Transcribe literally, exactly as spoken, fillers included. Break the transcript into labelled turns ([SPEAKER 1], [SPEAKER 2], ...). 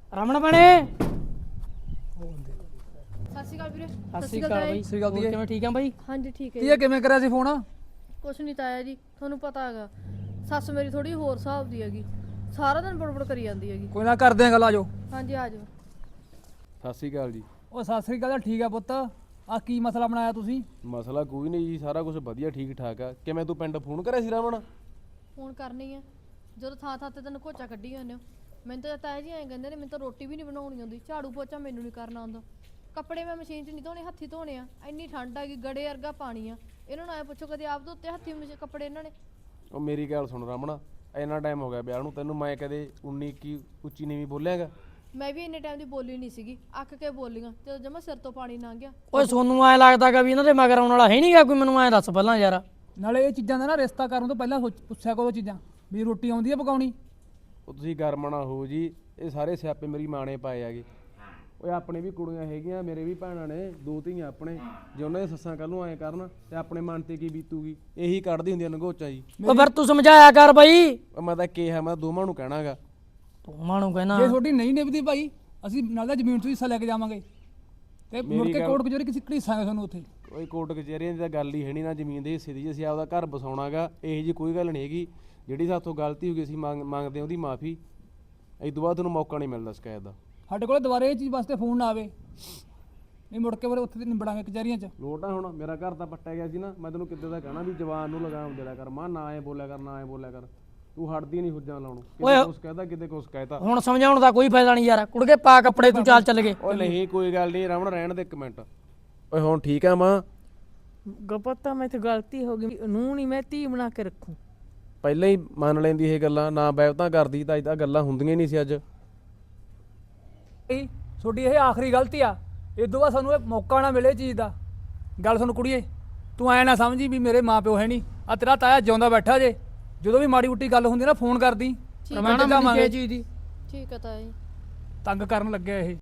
[SPEAKER 1] ਰਮਣ ਬਣੇ
[SPEAKER 2] ਸਤਿ ਸ਼੍ਰੀ ਅਕਾਲ ਵੀਰੇ।
[SPEAKER 1] ਸਤਿ ਸ਼੍ਰੀ ਅਕਾਲ ਬਾਈ।
[SPEAKER 3] ਸਤਿ ਸ਼੍ਰੀ ਅਕਾਲ
[SPEAKER 1] ਹੋਰ ਕਿਵੇਂ ਠੀਕ ਆ ਬਾਈ?
[SPEAKER 2] ਹਾਂਜੀ ਠੀਕ ਹੈ
[SPEAKER 3] ਕੀ ਕਿਵੇਂ ਕਰਿਆ ਸੀ ਫੋਨ?
[SPEAKER 2] ਕੁਛ ਨਹੀਂ ਤਾਇਆ ਜੀ, ਤੁਹਾਨੂੰ ਪਤਾ ਹੈਗਾ ਸੱਸ ਮੇਰੀ ਥੋੜੀ ਹੋਰ ਹਿਸਾਬ ਦੀ ਹੈਗੀ, ਸਾਰਾ ਦਿਨ ਬੜਬੜ ਕਰੀ ਜਾਂਦੀ ਹੈਗੀ।
[SPEAKER 3] ਕੋਈ ਨਾ ਕਰਦੇ ਆ ਗੱਲ, ਆ ਜਾਓ।
[SPEAKER 2] ਹਾਂਜੀ ਆ ਜਾਓ।
[SPEAKER 4] ਸਤਿ ਸ਼੍ਰੀ ਅਕਾਲ ਜੀ।
[SPEAKER 3] ਉਹ ਸਤਿ ਸ੍ਰੀ ਅਕਾਲ। ਠੀਕ ਆ ਪੁੱਤ, ਆ ਕੀ ਮਸਲਾ ਬਣਾਇਆ ਤੁਸੀਂ?
[SPEAKER 4] ਮਸਲਾ ਕੋਈ ਨਹੀਂ ਜੀ, ਸਾਰਾ ਕੁਝ ਵਧੀਆ ਠੀਕ ਠਾਕ ਆ। ਕਿਵੇਂ ਤੂੰ ਪਿੰਡ ਫੋਨ ਕਰਿਆ ਸੀ ਰਾਵਣ?
[SPEAKER 2] ਫੋਨ ਕਰਨੀ ਆ, ਜਦੋਂ ਥਾਂ ਥਾਂ ਤੇ ਤੈਨੂੰ ਕੋਚਾ ਕੱਢੀ ਜਾਂਦੇ ਹੋ। ਮੈਨੂੰ ਤਾਂ ਤਾਇਆ ਜੀ ਐਂ ਕਹਿੰਦੇ ਨੇ, ਮੈਨੂੰ ਤਾਂ ਰੋਟੀ ਵੀ ਨਹੀਂ ਬਣਾਉਣੀ ਆਉਂਦੀ, ਝਾੜੂ ਪੋਚਾ ਮੈਨੂੰ ਨਹੀਂ ਕਰਨਾ ਆਉਂਦਾ, ਕੱਪੜੇ ਮੈਂ ਮਸ਼ੀਨ 'ਚ ਨਹੀਂ ਧੋਣੇ, ਹੱਥੀ ਧੋਣੇ ਆ। ਇੰਨੀ ਠੰਡ ਹੈਗੀ, ਗੜੇ ਵਰਗਾ ਪਾਣੀ ਆ। ਇਹਨਾਂ ਨੂੰ ਐਂ ਪੁੱਛੋ ਕਦੇ ਆਪ ਧੋਤੇ ਹੱਥੀ ਮਸ਼ੀਨ ਕੱਪੜੇ ਇਹਨਾਂ ਨੇ?
[SPEAKER 4] ਉਹ ਮੇਰੀ ਗੱਲ ਸੁਣ ਰਾਵਣ, ਇੰਨਾ ਟਾਈਮ ਹੋ ਗਿਆ ਵਿਆਹ ਨੂੰ, ਤੈਨੂੰ ਮੈਂ ਕਦੇ ਉਨੀ ਇੱਕੀ ਉੱਚੀ ਨੀਵੀਂ ਬੋਲਿਆਗਾ?
[SPEAKER 2] ਮੈਂ ਵੀ ਇੰਨੇ ਟਾਈਮ ਦੀ ਬੋਲੀ ਨਹੀਂ ਸੀਗੀ, ਅੱਕ ਕੇ ਬੋਲੀਆਂ ਜਦੋਂ ਜਮਾ ਸਿਰ ਤੋਂ ਪਾਣੀ ਲੰਘ ਗਿਆ।
[SPEAKER 1] ਓਏ ਸੋਨੂੰ ਐ ਲੱਗਦਾਗਾ ਵੀ ਇਹਨਾਂ ਦੇ ਮਗਰ ਆਉਣ ਵਾਲਾ ਹੈ ਨਹੀਂਗਾ ਕੋਈ? ਮੈਨੂੰ ਐ ਦੱਸ ਪਹਿਲਾਂ ਯਾਰ।
[SPEAKER 3] ਨਾਲੇ ਇਹ ਚੀਜ਼ਾਂ ਦਾ ਨਾ ਰਿਸ਼ਤਾ ਕਰਨ ਤੋਂ ਪਹਿਲਾਂ ਸੋਚ ਪੁੱਛਿਆ ਕਰੋ ਚੀਜ਼ਾਂ ਵੀ ਰੋਟੀ ਆਉਂਦੀ ਆ ਪਕਾਉਣੀ।
[SPEAKER 4] ਉਹ ਤੁਸੀਂ ਗਰਮ ਨਾ ਹੋ ਜੀ, ਇਹ ਸਾਰੇ ਸਿਆਪੇ ਮੇਰੀ ਮਾਂ ਨੇ ਪਾਏ ਹੈਗੇ। ਓਏ ਆਪਣੇ ਵੀ ਕੁੜੀਆਂ ਹੈਗੀਆਂ, ਮੇਰੇ ਵੀ ਭੈਣਾਂ ਨੇ, ਦੋ ਧੀਆਂ ਆਪਣੇ। ਜੇ ਉਹਨਾਂ ਦੇ ਸੱਸਾਂ ਕੱਲ ਨੂੰ ਐਂ ਕਰਨ ਤੇ ਆਪਣੇ ਮਨ ਤੇ ਕੀ ਬੀਤੂਗੀ? ਇਹੀ ਕੱਢਦੀ ਹੁੰਦੀਆਂ ਨਗੋਚਾ ਜੀ।
[SPEAKER 1] ਓ ਫਿਰ ਤੂੰ ਸਮਝਾਇਆ ਕਰ ਬਾਈ।
[SPEAKER 4] ਉਹ ਮੈਂ ਤਾਂ ਕਿਹਾ, ਮੈਂ ਦੋਵਾਂ ਨੂੰ ਕਹਿਣਾਗਾ।
[SPEAKER 1] ਤੂੰ ਮਾਨੂੰ ਕਹਿਣਾ
[SPEAKER 3] ਜੇ ਤੁਹਾਡੀ ਨਹੀਂ ਨਿਭਦੀ ਭਾਈ, ਅਸੀਂ ਨਾਲ ਦਾ ਜ਼ਮੀਨ ਤੋਂ ਹਿੱਸਾ ਲੈ ਕੇ ਜਾਵਾਂਗੇ ਤੇ ਮੁੜ ਕੇ ਕੋਰਟ ਕਚਹਿਰੀ ਕਿਸੇ ਘੜੀਸਾਂਗੇ ਤੁਹਾਨੂੰ ਉੱਥੇ।
[SPEAKER 4] ਕੋਈ ਕੋਰਟ ਕਚਹਿਰੀਆਂ ਦੀ ਤਾਂ ਗੱਲ ਹੀ ਹੈ ਨਹੀਂ, ਨਾ ਜ਼ਮੀਨ ਦੇ ਹਿੱਸੇ ਦੀ। ਅਸੀਂ ਆਪਦਾ ਘਰ ਬਸਾਉਣਾਗਾ, ਇਹੋ ਜੀ ਕੋਈ ਗੱਲ ਨਹੀਂ ਹੈਗੀ। ਜਿਹੜੀ ਸਾਥੋਂ ਗਲਤੀ ਹੋ ਗਈ, ਅਸੀਂ ਮੰਗ ਮੰਗਦੇ ਉਹਦੀ ਮਾਫੀ। ਇਸ ਤੋਂ ਬਾਅਦ ਤੁਹਾਨੂੰ ਮੌਕਾ ਨਹੀਂ ਮਿਲਦਾ ਸ਼ਿਕਾਇਤ ਦਾ।
[SPEAKER 3] ਸਾਡੇ ਕੋਲ ਦੁਬਾਰੇ ਇਹ ਚੀਜ਼ ਵਾਸਤੇ ਫੋਨ ਨਾ ਆਵੇ, ਨਹੀਂ ਮੁੜ ਕੇ ਫਿਰ ਉੱਥੇ ਨਿਬੜਾਂਗੇ ਕਚਹਿਰੀਆਂ 'ਚ।
[SPEAKER 4] ਲੋਟ ਆ ਹੁਣ, ਮੇਰਾ ਘਰ ਤਾਂ ਪੱਟਿਆ ਗਿਆ ਸੀ ਨਾ। ਮੈਂ ਤੈਨੂੰ ਕਿੱਦਾਂ ਦਾ ਕਹਿਣਾ ਵੀ ਜਵਾਨ ਨੂੰ ਲਗਾਮ ਦੇ ਲਿਆ ਕਰ, ਮਾਂ ਨਾ ਐ ਬੋਲਿਆ ਕਰ, ਨਾ ਐ ਬੋਲਿਆ ਕਰ। ਤੂੰ ਹਟਦੀ ਨਹੀਂ ਹੁੱਜਾਂ ਲਾਉਣੋਂ, ਕਿਤੇ ਕੁਛ ਕਹਿਦਾ ਕਿਤੇ ਕੁਛ ਕਹਿਤਾ।
[SPEAKER 1] ਹੁਣ ਸਮਝਾਉਣ ਦਾ ਕੋਈ ਫਾਇਦਾ ਨਹੀਂ ਯਾਰ। ਕੁੜਕੇ ਪਾ ਕੱਪੜੇ ਤੂੰ ਚੱਲ ਚੱਲ ਗਏ।
[SPEAKER 4] ਓਏ ਨਹੀਂ ਕੋਈ ਗੱਲ ਨਹੀਂ ਰਾਵਣ, ਰਹਿਣ ਦੇ ਇੱਕ ਮਿੰਟ। ਓਏ ਹੁਣ ਠੀਕ ਆ ਮਾਂ?
[SPEAKER 5] ਗਪਤਾ ਮੈਂ ਤੇ ਗਲਤੀ ਹੋ ਗਈ, ਨੂੰ ਨਹੀਂ ਮੈਂ ਧੀ ਬਣਾ ਕੇ ਰੱਖੂ।
[SPEAKER 4] ਪਹਿਲਾਂ ਹੀ ਮੰਨ ਲੈਂਦੀ ਇਹ ਗੱਲਾਂ, ਨਾ ਬੈਵਤਾਂ ਕਰਦੀ ਤਾਂ ਇਦਾਂ ਗੱਲਾਂ ਹੁੰਦੀਆਂ ਹੀ ਨਹੀਂ ਸੀ ਅੱਜ।
[SPEAKER 3] ਇਹ ਤੁਹਾਡੀ ਇਹ ਆਖਰੀ ਗਲਤੀ ਆ, ਇਸ ਤੋਂ ਬਾਅਦ ਸਾਨੂੰ ਇਹ ਮੌਕਾ ਨਾ ਮਿਲੇ ਚੀਜ਼ ਦਾ। ਗੱਲ ਸੁਣ ਕੁੜੀਏ, ਤੂੰ ਐ ਨਾ ਸਮਝੀ ਵੀ ਮੇਰੇ ਮਾਂ ਪਿਓ ਹੈ ਨਹੀਂ। ਆ ਤੇਰਾ ਤਾਇਆ ਜਿਉਂਦਾ ਬੈਠਾ ਜੇ, ਜਦੋਂ ਵੀ ਮਾੜੀ ਮੁੱਟੀ ਗੱਲ ਹੁੰਦੀ ਨਾ ਫੋਨ ਕਰਦੀ।
[SPEAKER 1] ਰਮਾਣਾ ਮੈਨੂੰ ਕੀ ਚੀਜ਼ ਦੀ
[SPEAKER 2] ਠੀਕ ਹੈ ਤਾਇਆ ਜੀ।
[SPEAKER 3] ਤੰਗ ਕਰਨ ਲੱਗਿਆ ਇਹ।